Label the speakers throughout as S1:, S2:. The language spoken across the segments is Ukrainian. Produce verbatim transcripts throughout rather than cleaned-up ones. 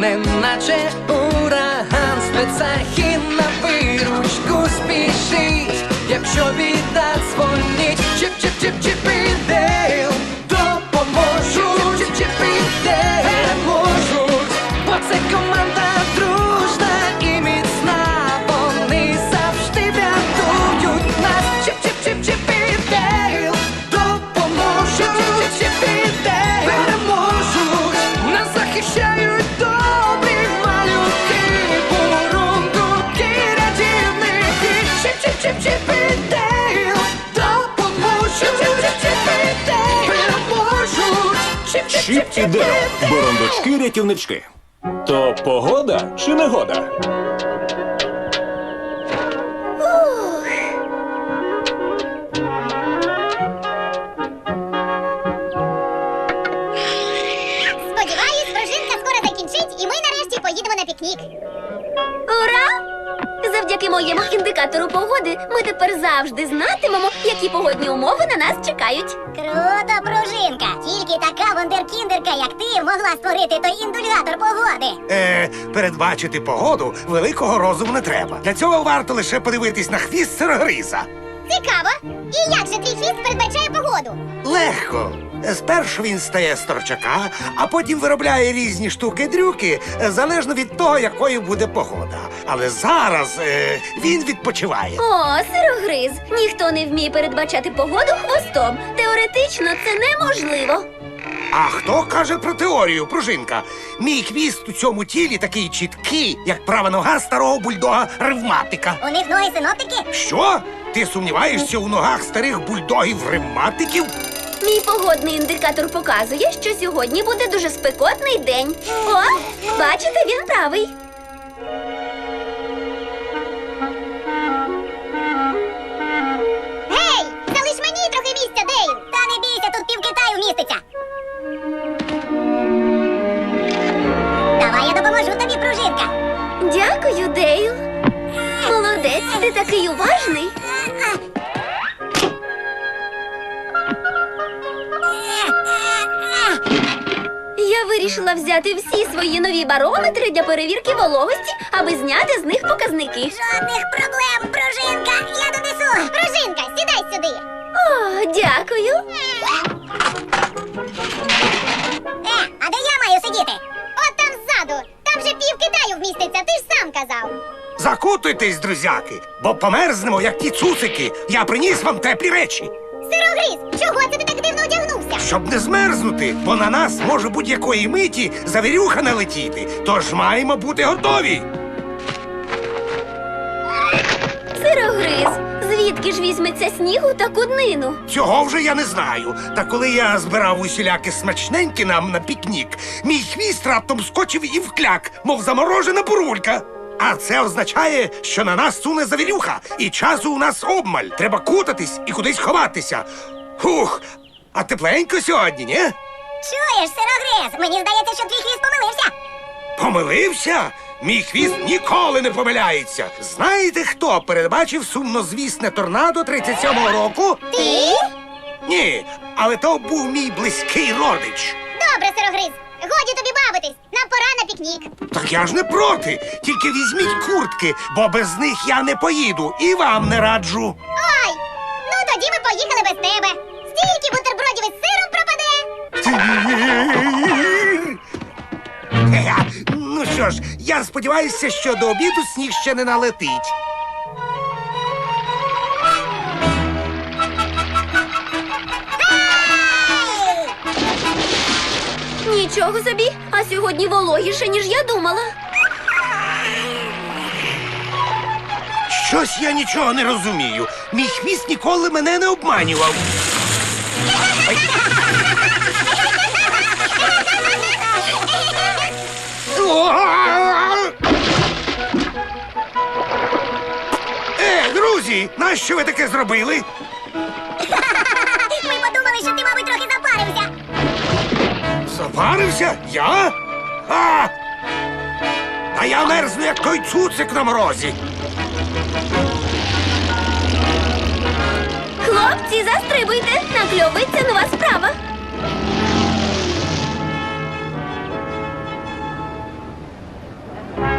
S1: неначе ураган, спецахи на виручку спішить, якщо біда дзвонить. Чіп-чіп-чіп-чіп і Дейл допоможуть, чіп-чіп і Дейл переможуть, бо це команда дружна і міцна, вони завжди врятують нас. Чіп-чіп-чіп-чіп і Дейл допоможуть, чіп-чіп і Дейл переможуть, нас захищають добрі малюки, бурундуки, рятівники. Чіп-чіп-чіп-чіп і Дейл допоможуть, чіп-чіп-чіп і Дейл переможуть.
S2: Чіп і Дейл. Бурундучки-рятівнички. То погода чи негода?
S3: Сподіваюсь, пружинка скоро закінчить, і ми нарешті поїдемо на пікнік.
S4: Ура! Завдяки моєму індикатору погоди ми тепер завжди знатимемо, які погодні умови на нас чекають.
S3: Круто, пружинка! Тільки така вундеркіндерка, як ти, могла створити той індулятор погоди.
S5: Е, передбачити погоду великого розуму не треба. Для цього варто лише подивитись на хвіст сирогриза.
S3: Цікаво! І як же твій хвіст передбачає погоду?
S5: Легко. Спершу він стає з торчака, а потім виробляє різні штуки-дрюки, е, залежно від того, якою буде погода. Але зараз е, він відпочиває.
S4: О, сирогриз! Ніхто не вміє передбачати погоду хвостом. Теоретично це неможливо.
S5: А хто каже про теорію, пружинка? Мій хвіст у цьому тілі такий чіткий, як права нога старого бульдога-ревматика.
S3: У них ноги синоптики?
S5: Що? Ти сумніваєшся у ногах старих бульдогів-ревматиків?
S4: Мій погодний індикатор показує, що сьогодні буде дуже спекотний день. О, бачите, він правий.
S3: Гей! Залиш мені трохи місця, Дейл! Та не бійся, тут пів Китаю вміститься. Давай я допоможу тобі, пружинка.
S4: Дякую, Дейл. Молодець, ти такий уважний. Я вирішила взяти всі свої нові барометри для перевірки вологості, аби зняти з них показники.
S3: Жодних проблем, пружинка! Я донесу! Пружинка, сідай сюди!
S4: О, дякую.
S3: Е, а де я маю сидіти? От там ззаду! Там же пів Китаю вміститься, ти ж сам казав!
S5: Закутуйтесь, друзяки, бо померзнемо, як ті цуцики. Я приніс вам теплі речі.
S3: Сирогриз, чого це ти так дивно одягнувся?
S5: Щоб не змерзнути, бо на нас може будь-якої миті завірюха налетіти. Тож маємо бути готові.
S4: Сирогриз, звідки ж візьметься снігу таку днину?
S5: Цього вже я не знаю. Та коли я збирав усіляки смачненькі нам на пікнік, мій хвіст раптом скочив і вкляк, мов заморожена бурулька. А це означає, що на нас суне завірюха, і часу у нас обмаль. Треба кутатись і кудись ховатися. Хух, а тепленько сьогодні, ні?
S3: Чуєш, сирогриз, мені здається, що твій хвіст помилився.
S5: Помилився? Мій хвіст ніколи не помиляється. Знаєте, хто передбачив сумнозвісне торнадо тридцять сьомого року?
S3: Ти?
S5: Ні, але то був мій близький родич.
S3: Добре, сирогриз, годі тобі бавитись, нам пора на пікнік.
S5: Так я ж не проти. Тільки візьміть куртки, бо без них я не поїду і вам не раджу.
S3: Ой, ну тоді ми поїхали без тебе. Стільки бутербродів із сиром пропаде.
S5: Е, Ну що ж, я сподіваюся, що до обіду сніг ще не налетить.
S4: Нічого собі, а сьогодні вологіше, ніж я думала.
S5: Щось я нічого не розумію. Мій хвіст ніколи мене не обманював. Ай. Е, друзі, нащо ви таке зробили?
S3: Ми подумали, що ти, мабуть, трохи запарився.
S5: Запарився? Я? А! А я мерзну, як той цуцик на морозі.
S4: Хлопці, застрибуйте, накльовується нова справа.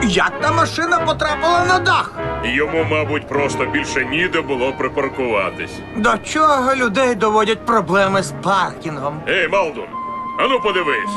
S6: Як та машина потрапила на дах?
S7: Йому, мабуть, просто більше ніде було припаркуватись.
S6: До чого людей доводять проблеми з паркінгом?
S7: Ей, Малдун, ану подивись.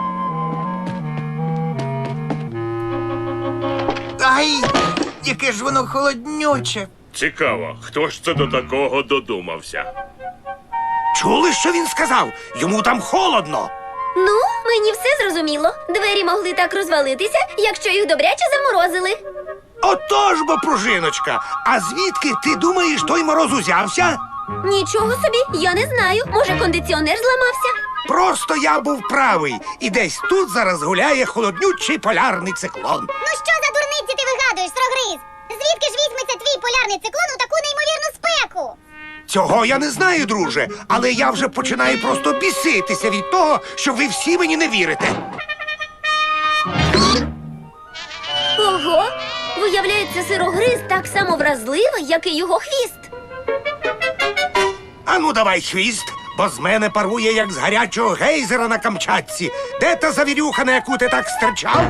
S6: Ай, яке ж воно холоднюче.
S7: Цікаво, хто ж це до такого додумався?
S5: Чули, що він сказав? Йому там холодно.
S4: Ну, мені все зрозуміло. Двері могли так розвалитися, якщо їх добряче заморозили.
S5: Отож бо, пружиночка. А звідки ти думаєш, той мороз узявся?
S4: Нічого собі, я не знаю. Може, кондиціонер зламався?
S5: Просто я був правий. І десь тут зараз гуляє холоднючий полярний циклон.
S3: Ну що за дурниці ти вигадуєш, строгриз? Звідки ж візьметься твій полярний циклон у таку неймовірну спеку?
S5: Цього я не знаю, друже, але я вже починаю просто біситися від того, що ви всі мені не вірите.
S4: Ого! Виявляється, сирогриз так само вразливий, як і його хвіст.
S5: Ану, давай хвіст, бо з мене парує, як з гарячого гейзера на Камчатці. Де та завірюха, на яку ти так стирчав?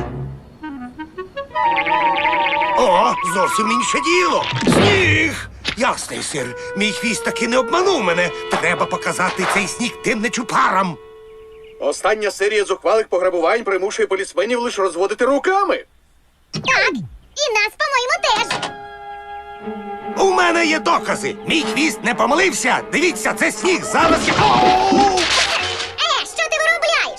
S5: О, зовсім інше діло. Сніг! Ясний сир, мій хвіст таки не обманув мене. Треба показати цей сніг тим нечупарам.
S8: Остання серія зухвалих пограбувань примушує полісменів лише розводити руками.
S3: Так, і нас, по-моєму, теж.
S5: У мене є докази. Мій хвіст не помилився. Дивіться, це сніг. Зараз я... Оу!
S3: Е, що ти виробляєш?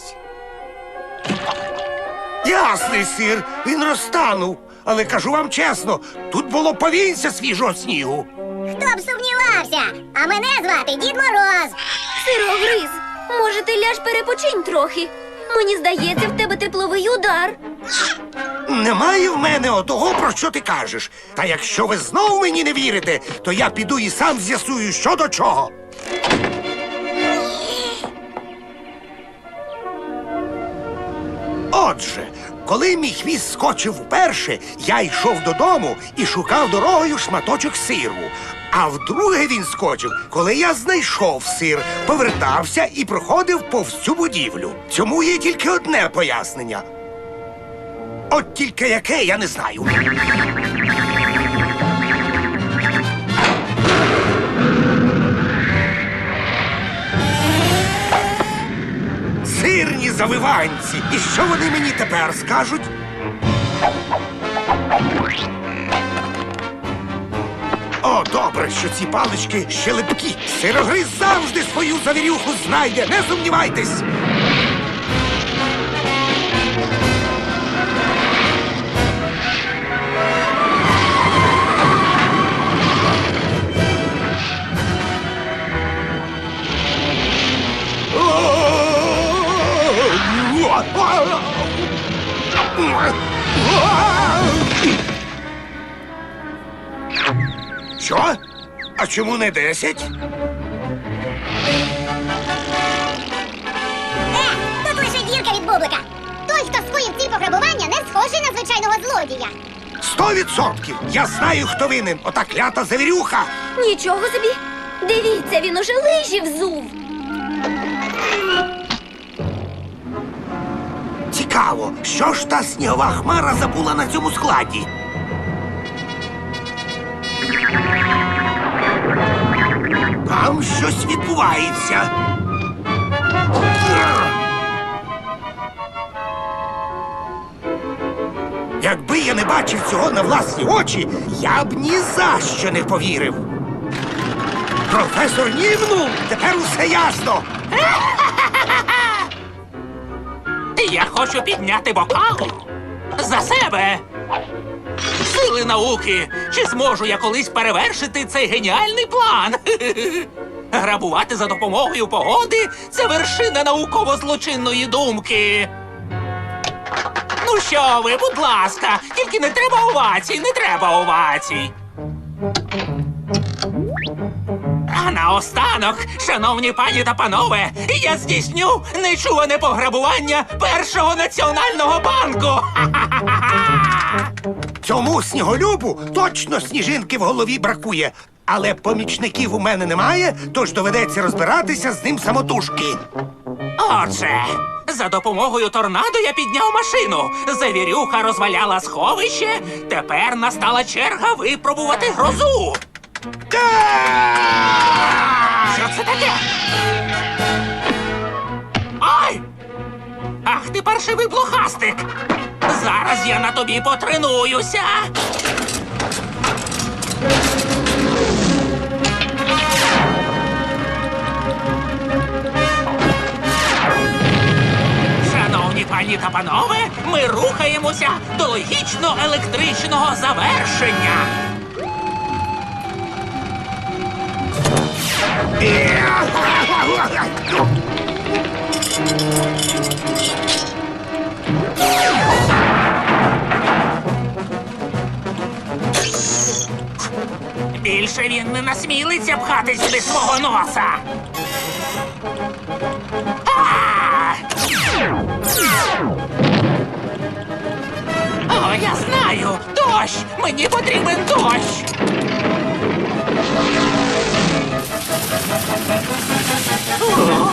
S5: Ясний сир, він розтанув. Але кажу вам чесно, тут було повінця свіжого снігу.
S3: Хто б сумнівався? А мене звати Дід Мороз.
S4: Сирогриз, може, ти ляж перепочинь трохи? Мені здається, в тебе тепловий удар.
S5: Немає в мене отого, про що ти кажеш. Та якщо ви знов мені не вірите, то я піду і сам з'ясую, що до чого. Отже, коли мій хвіст скочив вперше, я йшов додому і шукав дорогою шматочок сиру. А вдруге він скочив, коли я знайшов сир, повертався і проходив повз цю будівлю. Цьому є тільки одне пояснення. От тільки яке, я не знаю. Сирні завиванці. І що вони мені тепер скажуть? О, добре, що ці палички ще липкі. Сирогриз завжди свою завірюху знайде, не сумнівайтесь. Що? А чому не десять?
S3: Е, тут лише дірка від бублика. Той, хто скоїв ці пограбування, не схожий на звичайного злодія.
S5: Сто відсотків! Я знаю, хто винен. Ота клята завірюха.
S4: Нічого собі. Дивіться, він уже лижі взув.
S5: Цікаво, що ж та снігова хмара забула на цьому складі? Там щось відбувається. Якби я не бачив цього на власні очі, я б ні за що не повірив. Професор Нівну, тепер усе ясно.
S9: Я хочу підняти бокал за себе. Сили науки. Чи зможу я колись перевершити цей геніальний план? Грабувати за допомогою погоди – це вершина науково-злочинної думки. Ну що ви, будь ласка, тільки не треба овацій, не треба овацій. А наостанок, шановні пані та панове, я здійсню нечуване пограбування першого національного банку.
S5: Цьому сніголюбу точно сніжинки в голові бракує. Але помічників у мене немає, тож доведеться розбиратися з ним самотужки.
S9: Отже, За допомогою торнадо я підняв машину. Завірюха розваляла сховище. Тепер настала черга випробувати грозу. Що це таке? Ай! Ах ти паршивий блохастик! Зараз я на тобі потренуюся. Шановні пані та панове, ми рухаємося до логічно-електричного завершення. Більше він не насмілиться пхати сюди свого носа. А! О, я знаю! Дощ! Мені потрібен дощ! О!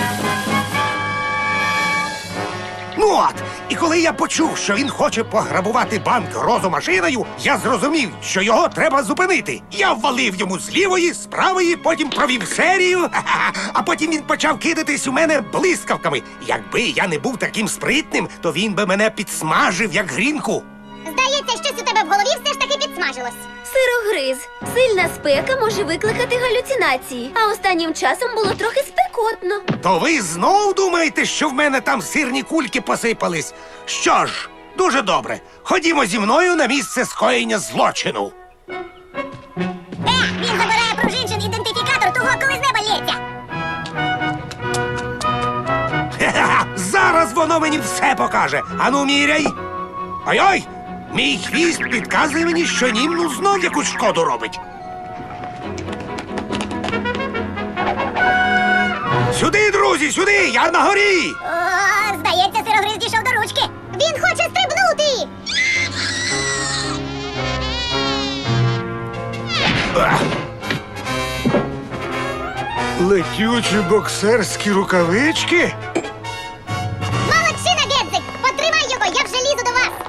S5: Ну от, і коли я почув, що він хоче пограбувати банк грозомашиною, я зрозумів, що його треба зупинити. Я ввалив йому з лівої, з правої, потім провів серію, ха-ха, а потім він почав кидатись у мене блискавками. Якби я не був таким спритним, то він би мене підсмажив, як грінку.
S3: Здається, щось у тебе в голові все ж таки підсмажилось.
S4: Сирогриз. Сильна спека може викликати галюцинації, а останнім часом було трохи спекотно.
S5: То ви знов думаєте, що в мене там сирні кульки посипались? Що ж, дуже добре. Ходімо зі мною на місце скоєння злочину.
S3: Е, він забирає пружинчин ідентифікатор того, коли з неба лється.
S5: Хе-хе-хе, зараз воно мені все покаже. Ану, міряй. Ой-ой! Мій хвіст підказує мені, що німну знов якусь шкоду робить. Сюди, друзі, сюди! Я на горі!
S3: О, здається, сирогриз дійшов до ручки. Він хоче стрибнути.
S5: Летючі боксерські рукавички?
S3: Молодчина, Гедзик! Потримай його, я вже лізу до вас.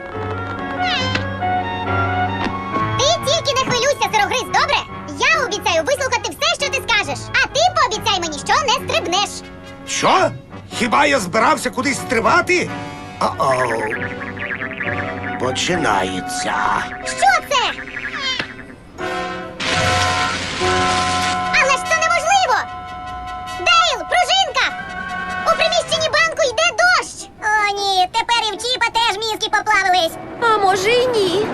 S3: Ти тільки не хвилюйся, сирогриз, добре? Я обіцяю вислухати все, що ти скажеш. А ти пообіцяй мені, що не стрибнеш.
S5: Що? Хіба я збирався кудись стрибати? О-оу. Починається.
S3: Що це? Але ж це неможливо! Дейл, пружинка! У приміщенні банку йде дощ! О, ні, тепер і в Чіпа теж мізки поплавились.
S4: А може й ні.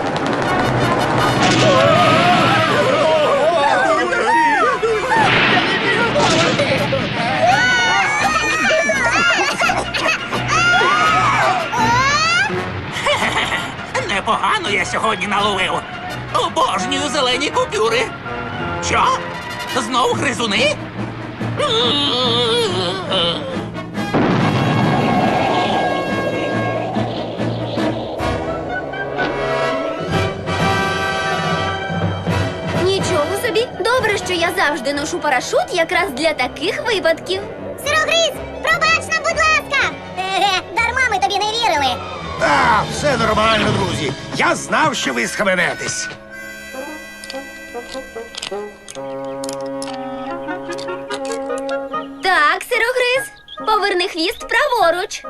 S9: Непогано я сьогодні наловив. Обожнюю зелені купюри. Що? Знов гризуни?
S4: Нічого собі. Добре, що я завжди ношу парашут якраз для таких випадків.
S3: Сирогриз, пробач нам, будь ласка! Еге, дарма ми тобі не вірили.
S5: А, все нормально, друзі. Я знав, що ви схаменетесь.
S4: Так, сирогриз, поверни хвіст праворуч.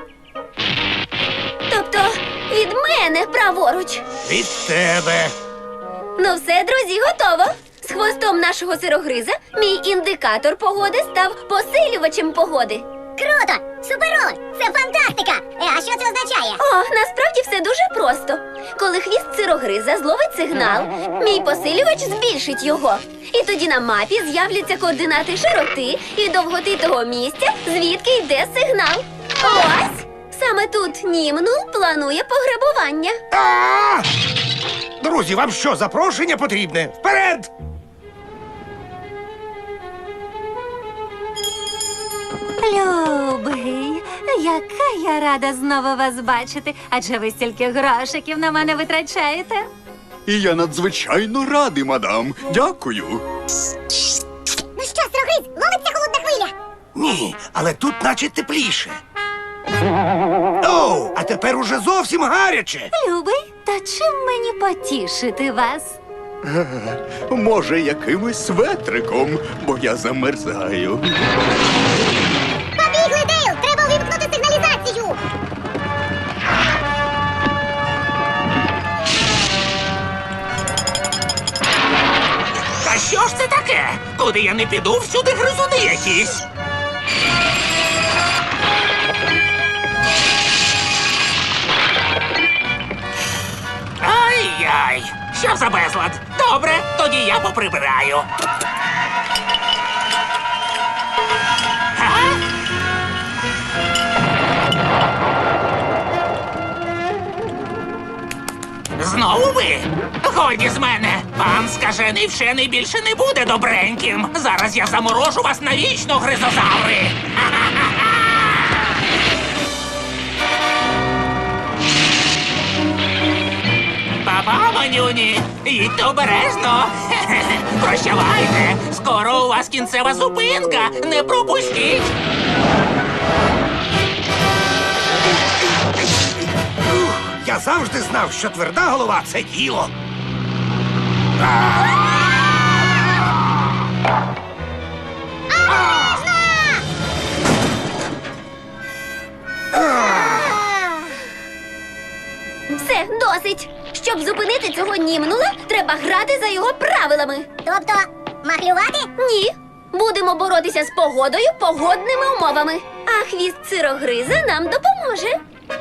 S4: Тобто від мене праворуч.
S5: Від тебе.
S4: Ну все, друзі, готово. З хвостом нашого сирогриза мій індикатор погоди став посилювачем погоди.
S3: Круто! Суперово! Це фантастика! Е, а що це означає?
S4: О, насправді все дуже просто. Коли хвіст сирогриза зловить сигнал, мій посилювач збільшить його. І тоді на мапі з'являться координати широти і довготи того місця, звідки йде сигнал. Ось! Саме тут Німнул планує пограбування.
S5: А! Друзі, вам що, запрошення потрібне? Вперед!
S10: Любий, яка я рада знову вас бачити, адже ви стільки грошиків на мене витрачаєте.
S11: І я надзвичайно радий, мадам. Дякую.
S3: Ну що, сирогриз, ловиться холодна хвиля?
S5: Ні, але тут наче тепліше. Оу, а тепер уже зовсім гаряче.
S10: Любий, та чим мені потішити вас?
S11: Може, якимось светриком, бо я замерзаю.
S3: Побігли, Дейл! Треба увімкнути сигналізацію!
S9: Та що ж це таке? Куди я не піду, всюди гризуни якісь. Ай-яй! Що за безлад? Добре, тоді я поприбираю. А? Знову ви? Годі з мене. Пан скажений вчений більше не буде добреньким. Зараз я заморожу вас навічно, гризозаври. Па-па, манюні, їдьте обережно. Прощавайте, скоро у вас кінцева зупинка. Не пропустіть.
S5: Я завжди знав, що тверда голова це діло.
S4: Все, досить. Щоб зупинити цього німнула, треба грати за його правилами.
S3: Тобто, махлювати?
S4: Ні. Будемо боротися з погодою погодними умовами. А хвіст сирогриза нам допоможе.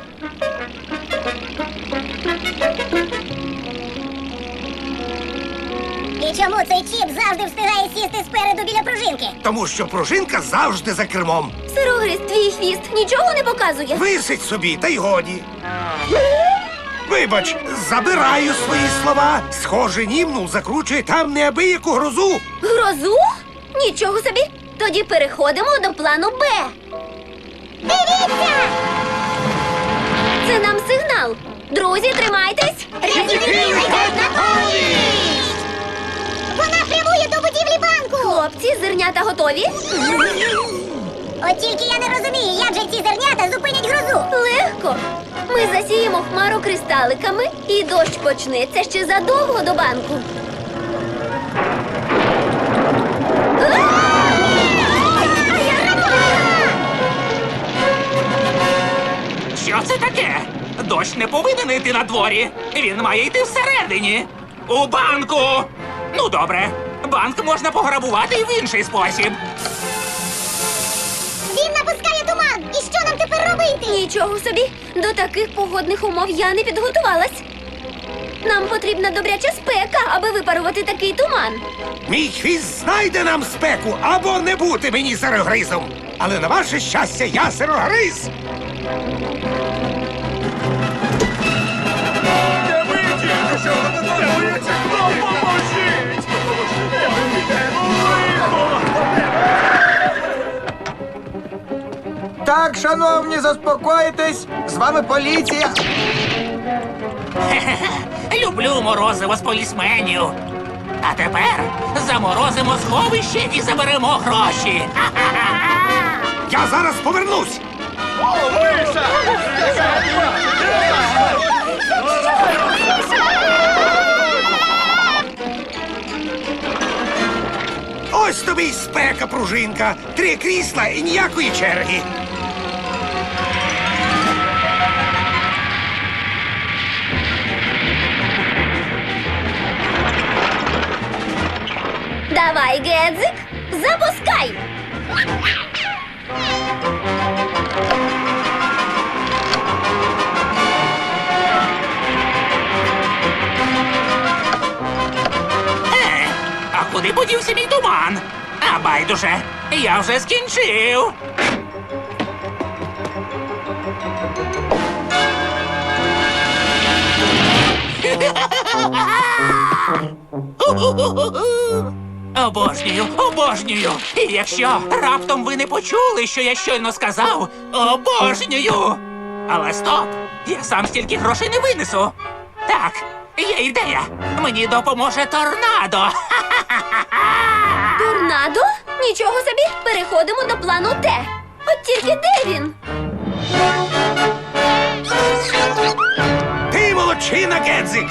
S3: І чому цей чіп завжди встигає сісти спереду біля пружинки?
S5: Тому що пружинка завжди за кермом.
S4: Сирогриз, твій хвіст нічого не показує.
S5: Висить собі, та й годі. Вибач, забираю свої слова. Схоже, німнул закручує там неабияку грозу.
S4: Грозу? Нічого собі. Тоді переходимо до плану Б.
S3: Дивіться!
S4: Це нам сигнал. Друзі, тримайтесь.
S3: Рятівники летять на поміч! Вона прямує до будівлі банку!
S4: Хлопці, зернята готові?
S3: От тільки я не розумію, як же ці зернята зупинять грозу.
S4: Легко. Ми засіємо хмару кристаликами, і дощ почнеться ще задовго до банку.
S9: Що це таке? Дощ не повинен йти на дворі. Він має йти всередині. У банку. Ну, добре. Банк можна пограбувати і в інший спосіб.
S3: Він напускає туман! І що нам тепер робити?
S4: Нічого собі. До таких погодних умов я не підготувалась. Нам потрібна добряча спека, аби випарувати такий туман.
S5: Мій хвіст знайде нам спеку або не бути мені сирогризом. Але на ваше щастя, я сирогриз.
S6: Так, шановні, заспокойтесь. З вами поліція.
S9: Люблю морозиво з полісменів. А тепер заморозимо сховище і заберемо гроші.
S5: Я зараз повернусь. Ось тобі й спека, пружинка. Три крісла і ніякої черги.
S4: Давай, Гедзик, запускай!
S9: Е, а куди подівся мій туман? А байдуже, я вже скінчив. Обожнюю, обожнюю. І якщо раптом ви не почули, що я щойно сказав, обожнюю. Але стоп! Я сам стільки грошей не винесу. Так, є ідея. Мені допоможе торнадо.
S4: Торнадо? Нічого собі, переходимо до плану Т. От тільки де він?
S5: Ти молодчина, Гедзик!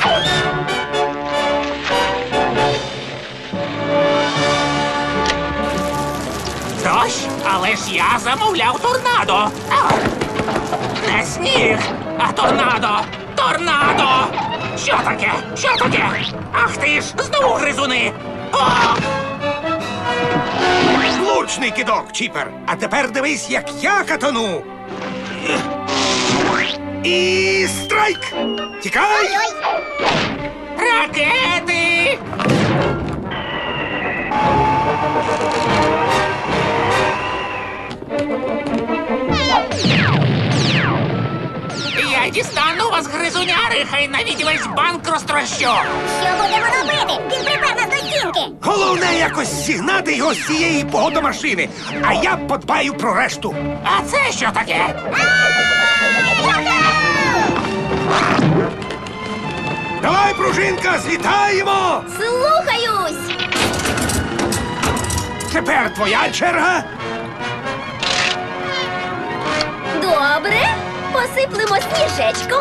S9: Дощ, але ж я замовляв торнадо. А! Не сніг, а торнадо! Торнадо! Що таке? Що таке? Ах ти ж, знову гризуни! О!
S5: Влучний кидок, Чіпер! А тепер дивись, як я катану! І страйк! Тікай!
S9: Ракети! Я дістану вас, гризуняри, хай навіть весь банк розтрощу!
S3: Що будемо робити? Він припер нас до стінки.
S5: Головне якось зігнати його з цієї погодомашини, а я подбаю про решту.
S9: А це що таке?
S5: Давай, пружинка, злітаємо!
S4: Слухаюсь!
S5: Тепер твоя черга.
S4: Добре, посиплемо сніжечком.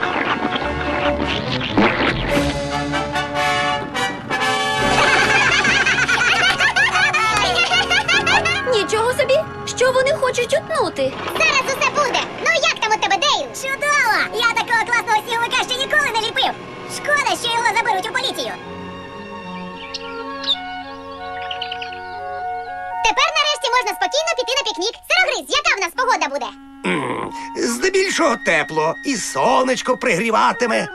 S4: Нічого собі, що вони хочуть утнути?
S3: Зараз усе буде. Ну як там у тебе, Дейл? Чудово! Я такого класного сніговика ще ніколи не ліпив. Шкода, що його заберуть у поліцію. Тепер нарешті можна спокійно піти на пікнік. Сирогриз, яка в нас погода буде?
S5: М, Здебільшого тепло, і сонечко пригріватиме.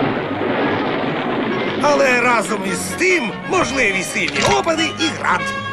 S5: Але разом із тим можливі сильні опади і град.